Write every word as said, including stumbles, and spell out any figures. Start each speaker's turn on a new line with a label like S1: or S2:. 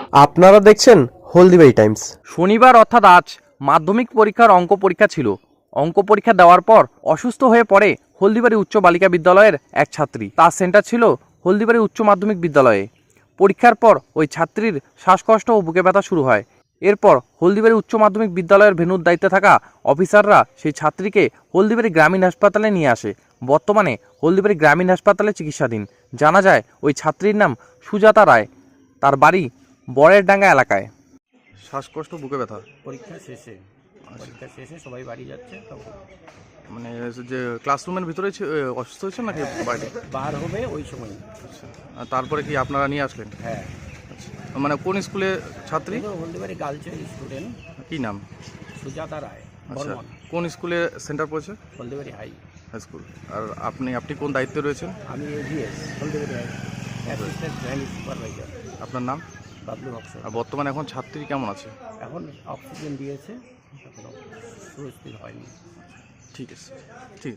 S1: আপনারা দেখছেন হলদিবাড়ি টাইমস।
S2: শনিবার অর্থাৎ আজ মাধ্যমিক পরীক্ষার অঙ্ক পরীক্ষা ছিল। অঙ্ক পরীক্ষা দেওয়ার পর অসুস্থ হয়ে পড়ে হলদিবাড়ি উচ্চ বালিকা বিদ্যালয়ের এক ছাত্রী। তার সেন্টার ছিল হলদিবাড়ি উচ্চ মাধ্যমিক বিদ্যালয়ে। পরীক্ষার পর ওই ছাত্রীর শ্বাসকষ্ট ও বুকে ব্যথা শুরু হয়। এরপর হলদিবাড়ি উচ্চ মাধ্যমিক বিদ্যালয়ের ভেন্যুর দায়িত্বে থাকা অফিসাররা সেই ছাত্রীকে হলদিবাড়ি গ্রামীণ হাসপাতালে নিয়ে আসে। বর্তমানে হলদিবাড়ি গ্রামীণ হাসপাতালে চিকিৎসাধীন। জানা যায় ওই ছাত্রীর নাম সুজাতা রায়, তার বাড়ি বরের ডাঙ্গা এলাকায়। শ্বাসকষ্ট, বুকে ব্যথা,
S3: পরীক্ষা শেষে পরীক্ষা শেষে সবাই বাড়ি যাচ্ছে, তখন
S2: মানে যে ক্লাসরুমের ভিতরে অসুস্থ হয়েছে নাকি বাইরে?
S3: বার হবে ওই সময়।
S2: আচ্ছা, আর তারপরে কি আপনারা নিয়ে আসলেন?
S3: হ্যাঁ,
S2: আচ্ছা, মানে কোন স্কুলে ছাত্রী?
S3: হলদিবাড়ি গার্লসের স্টুডেন্ট।
S2: কি নাম?
S3: সুজাতা রায়।
S2: আচ্ছা,
S3: বর্মন।
S2: কোন স্কুলে সেন্টার পড়েছে?
S3: Haldibari high
S2: high school. আর আপনি আপনি কোন দায়িত্বে রয়েছেন?
S3: আমি AGS Haldibari high, assistant joint supervisor.
S2: আপনার নাম?
S3: বাবলু বক্সর।
S2: আর বর্তমানে এখন ছাত্রী কেমন আছে?
S3: এখন অক্সিজেন দিয়েছে, এখনো সুস্থির হয়নি।
S2: ঠিক আছে, ঠিক আছে।